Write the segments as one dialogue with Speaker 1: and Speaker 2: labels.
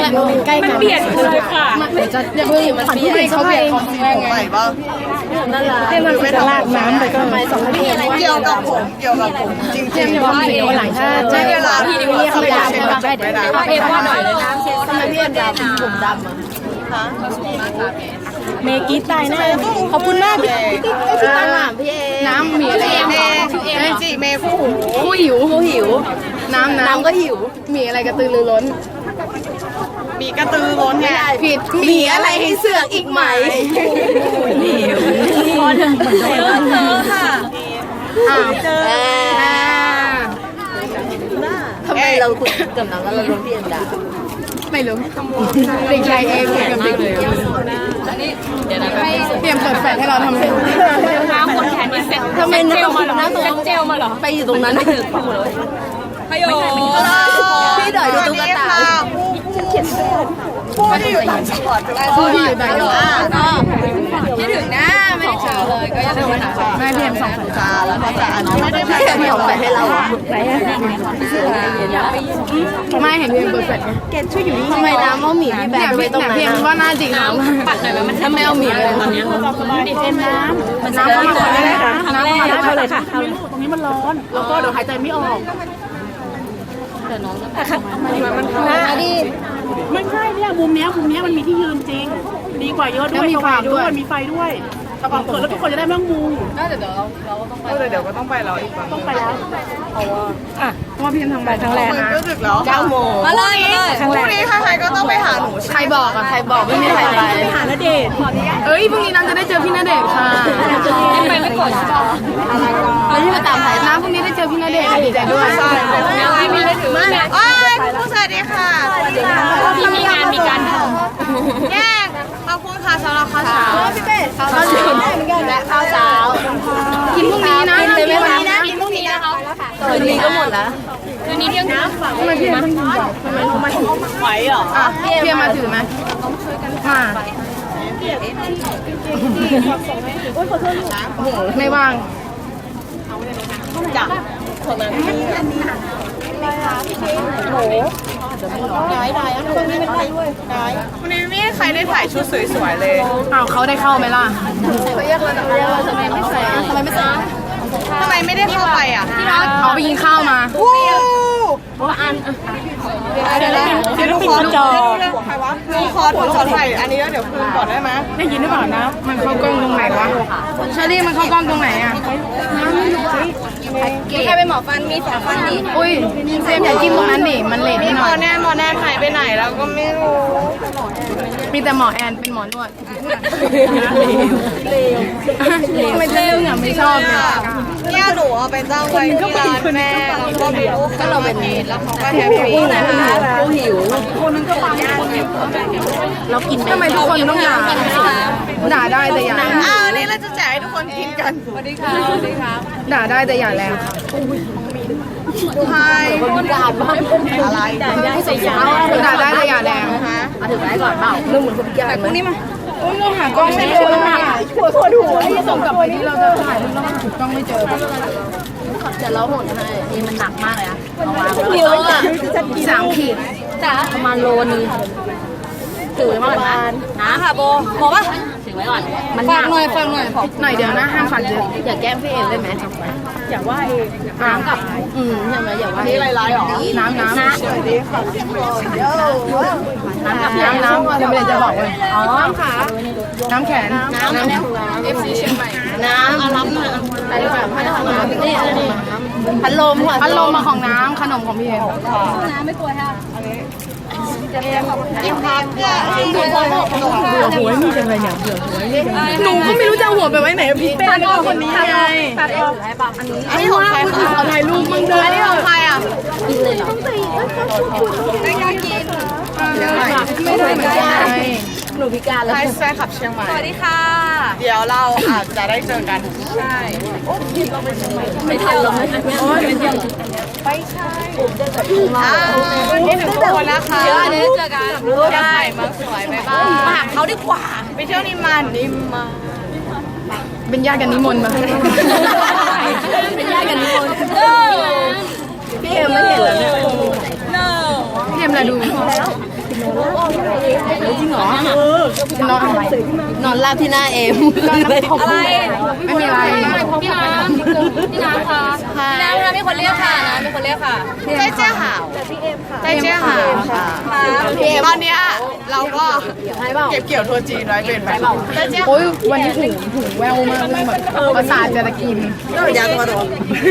Speaker 1: ใกล้กันเปลี่ยนเลยค่ะจะยังไม่มันเปลี่ยนเขาเปลี่ยนของแรงไงบ้างนั่นแหละให้มันไม่ลากน้ำไปก็ไม่สองนาทีเกี่ยวกับผมจริงๆว่าเดี๋ยวหลังใช่เวลาที่เรียกเขาไปดำได้เดี๋ยวเอ็มว่าหน่อยเลยน้ำเช็ดทำไมพี่เอ็มดำผมดำอ่ะเมกี้ตายแน่ขอบคุณมากพี่ตั้งอ่ะพี่เอน้ำมีอะไรเมจิเมผู้หิวน้ำก็หิวมีอะไรกระตือรือร้นมีกระตือร้นไงผิดมีอะไรให้เสือกอีกไหมพอเถอะเจอค่ะเจอทำไมเราคุยกับน้องแล้วเราโดนพี่เอ็มด่าไม่รู้เด็กชายเองกับเด็กเลยเดี๋ยวนะเตรียมเปิดแฟลชให้เราทำเป็นน้ำคนแขนนี่เสร็จทำไมน้ำมาเหรอเจลมาเหรอไปอยู่ตรงนั้นไม่ถึงเลยพยโยพี่ดอยดูตุ๊กตาผู้ที่อยู่ต่างจังหวัดผู้ที่อยู่ต่างจังหวัดคิดถึงนะไม่ได้เจอเลยก็ยังไม่ถามแม่เพียมส่งตาแล้วก็จะไม่ได้ไม่ได้ส่งไปให้เราไหนไม่เห็นเพียมเปิดแฟลชเกณฑ์ช่วยอยู่นี่ทำไมน้ำเอาหมีพี่แบบไปตรงไหนเพียมว่าน่าจริงน้ำปัดหน่อยมันทำไมเอาหมีเลยตอนนี้ดิเป็นน้ำเข้ามาได้ค่ะน้ำเข้าเลยค่ะตรงนี้มันร้อนแล้วก็เดี๋ยวหายใจไม่ออกแต่น้องมันดิไม่ใช่เนี่ยมุมเนี้ยมันมีที่ยืนจริงดีกว่าเยอะด้วยมีไฟด้วยมีไฟด้วยแต่ก่อนเปิดแล้วทุกคนจะได้ไม่ต้องมุงเดี๋ยวเราก็ต้องไปเดี๋ยวก็ต้องไปแล้วอีกฝั่งต้องไปแล้วเพราะว่าพี่ทำไปครั้งแรกนะก็ดึกแล้ว9 โมงมาเลยพรุ่งนี้ใครก็ต้องไปหาหนูใครบอกไม่มีใครไปหาณเดชน์เอ้ยพรุ่งนี้น้ำจะได้เจอพี่ณเดชน์ค่ะไปไม่กดแล้วที่มาตามถ่ายน้ำพรุ่งนี้ได้เจอพี่ณเดชน์ดีใจด้วยใช่พี่มีได้ถือมาผู้สวัสดีค่ะพี่มีงานมีการแย่ขอบคุณค่ะสำหรับข้าวเช้าพี่เป้ข้าวเช้าและข้าวเช้ากินพรุ่งนี้นะกินเลยไหมคะกินพรุ่งนี้นะคะคืนนี้ก็หมดแล้วคืนนี้เที่ยงคืนทำไมพี่มันไหวเหรอพี่มาถือไหมมาไม่ว่างจับคนนั้นโอ้ได้คนนี้ไม่ได้ด้วยวันนี้ไม่ใครได้ถ่ายชุดสวยๆเลยอ้าวเขาได้เข้าไหมล่ะเขาเรียกเราทำไมไม่ใส่ทำไมไม่ได้เข้าไปอ่ะเขาไปกินข้าวมาอันเดี๋ยวทุกคนจอใครวะขอถ่ายอันนี้แล้วเดี๋ยวคืนก่อนได้ไหมได้ยินหรือเปล่านะมันเข้ากล้องตรงไหนวะเชอรี่มันเข้ากล้องตรงไหนอ่ะใครเป็นหมอฟันมี2 ฟันดิอุ้ยเซมอย่าจิ้มตรงนั้นดิมันเลทนิดหน่อยหมอแน่หายไปไหนแล้วก็ไม่รู้มีแต่หมอแอนเป็นหมอนวดไม่เรื่องอ่ะไม่ชอบเนี่ยหนูเอาไปจ้างไว้ที่ร้านแม่ก็มีลูกก็เราเป็นแล้วเขาก็แฮปปี้นะคะผู้หิวคนนึงก็ปังเรากินทำไมทุกคนต้องด่าได้แต่อย่านี่เราจะแจกให้ทุกคนกินกันสวัสดีค่ะด่าได้แต่อย่าแรงใช่ด่าบ้างอะไรด่าได้ใส่ยาด่าได้แต่อย่าแรงมาถึงได้ก่อนเปล่าเรื่องเหมือนคนพิการพวกนี้มาเราหากล้องไม่เจอเราหาปวดหัวที่ส่งกลับไปที่เราจะถ่ายรูปแล้วถูกต้องไม่เจอเดี๋ยวเราหดให้นี่มันหนักมากเลยอะเอาวางเยอะอะ3 ขีดจ้าประมาณโลนึงถือไว้ก่อนนะค่ะโบบอกว่าถือไว้ก่อนมันฟังหน่อยเดี๋ยวนะห้ามฟังเยอะอย่าแกล้งพี่เองได้ไหมอย่าว่าเองน้ำกับใช่ไหมอย่าว่านี่ลายๆหรอน้ำน้ำจะไม่ได้จะบอกเลยอ๋อค่ะน้ำแข็งน้ำ FC เชียงใหม่น้ำอารัมมาไปดีกว่าไม่ได้ของน้ำนี่พัดลมมาของน้ำขนมของพี่เองน้ำไม่กลัวค่ะยิ้มครับหัวนี่จังเลยเนี่ยหนูก็ไม่รู้จะหัวไปไว้ไหนพี่เป้ก็คนนี้ไงอันนี้ของใครคะถ่ายรูปมึงเลยอันนี้ของใครอ่ะกินเลยเหรอไม่อยากกินไม่ได้เหมือนกันหนูพิการแล้วแฟนขับเชียงใหม่สวัสดีค่ะเดี๋ยวเราอาจจะได้เจอกันใช่เราไปเชียงใหม่ไม่ทันหรอกไปใช่นี่ถึงทุกคนนะคะเดี๋ยวได้เจอกันได้มาสวยไหมบ้างมาหาเขาดีกว่าไปเที่ยวนิมมานเป็นญาติกันนิมนต์มาเป็นญาติกันนิมนต์พี่เอ็มไม่เห็นแล้วเนี่ยพี่เอ็มละดูรอนอนราบที่หน้าเอมอะไรไม่มีอะไรพี่น้ำค่ะพี่น้ำค่ะมีคนเรียกค่ะนะมีคนเรียกค่ะใจเจ้าหาวใจเจ้าหาวค่ะตอนเนี้ยเราก็เก็บเกี่ยวทัวร์จีนไว้เป็นแบบโอ้ยวันนี้ถุงแววมากเลยแบบภาษาจะกินยาตัวโดน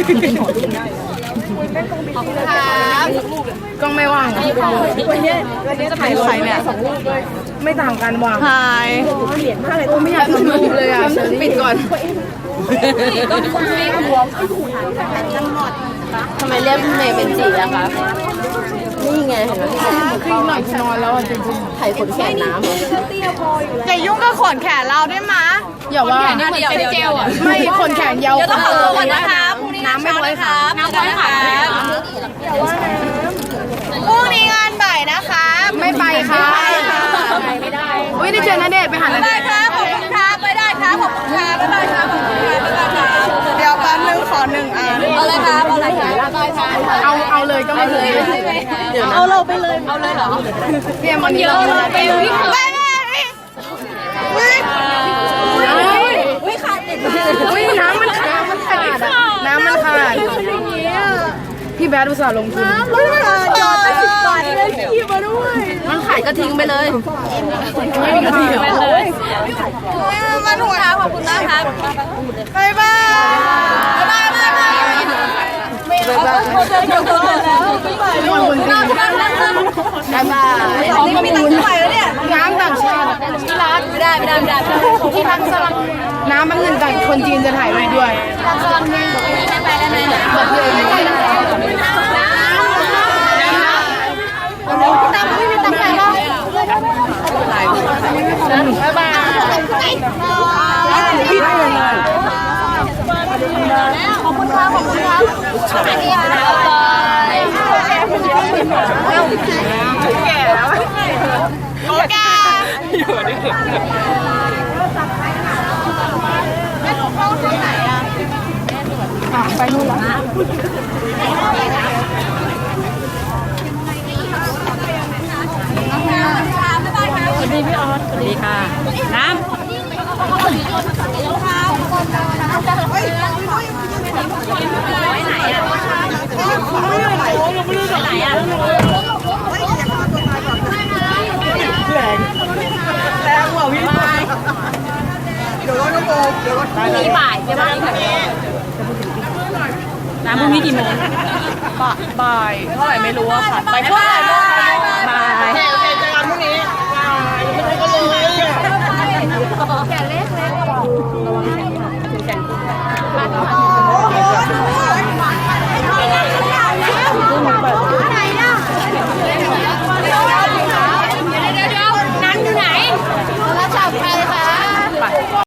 Speaker 1: กล้องไม่ว่างวันนี้จะถ่ายใครเนี่ยไม่ต่างกันว่ะถ่ายไม่อยากทำรูปเลยอ่ะปิดก่อนทำไมเรียกพี่เมย์เป็นจีอะคะนี่ไงเห็นไหมพี่หน่อยนอนแล้วจริงๆไถ่ขนแขนน้ำอย่ายุ่งกับขนแขนเราได้ไหมอย่าว่าเป็นเจลอ่ะไม่ขนแขนยาวก็ขอตัวก่อนนะคะพรุ่งนี้น้ำไม่ไว้ค่ะน้ำไว้ค่ะพรุ่งนี้งานบ่ายนะคะไม่ไปค่ะไม่ได้อุ้ยได้เจอณเดชน์ไปหาณเดชน์ครับขอบคุณครับไปได้ครับขอบคุณครับไปได้ครับเดี๋ยวแป๊บนึงขอ1 อันเอาเลยครับเอาเลยเอาเลยก็ไม่เลยเอาเราไปเลยเอาเลยเหรอเตรียมมันเยอะเลยไปเลยอุ้ยขาดอุ้ยน้ำมันขาดน้ำมันขาดพี่แบดอุตส่าห์ลงทุนจอดไป10 บาทเลยพี่มาด้วยมันขายก็ทิ้งไปเลยมาถูกครับขอบคุณมากครับบ๊ายบายบ๊ายบายมีตังค์ใหม่แล้วเนี่ยน้ำต่างชาติที่ร้านไม่ได้ที่ร้านสลังน้ำบางเงินต่างคนจีนจะถ่ายไว้ด้วยสลังเงินไปแล้วนะแบบเลยตามไม่มีตังค์แล้วบ๊ายบายขอบคุณครับสวัสดีครับแก่แล้วโอเคอยู่นี่ไปนู่นแล้วสวัสดีพี่ออสสวัสดีค่ะน้ำไหนอ่ะแรงกว่าพี่เดี๋ยวรถน้ำโบมีบ่ายใช่ไหมน้ำพรุ่งนี้กี่โมงบ่ายเท่าไหร่ไม่รู้อะค่ะบ่ายเท่าไหร่บ่ายเจอกันพรุ่งนี้ไม่ก็เลยแก่เล็ก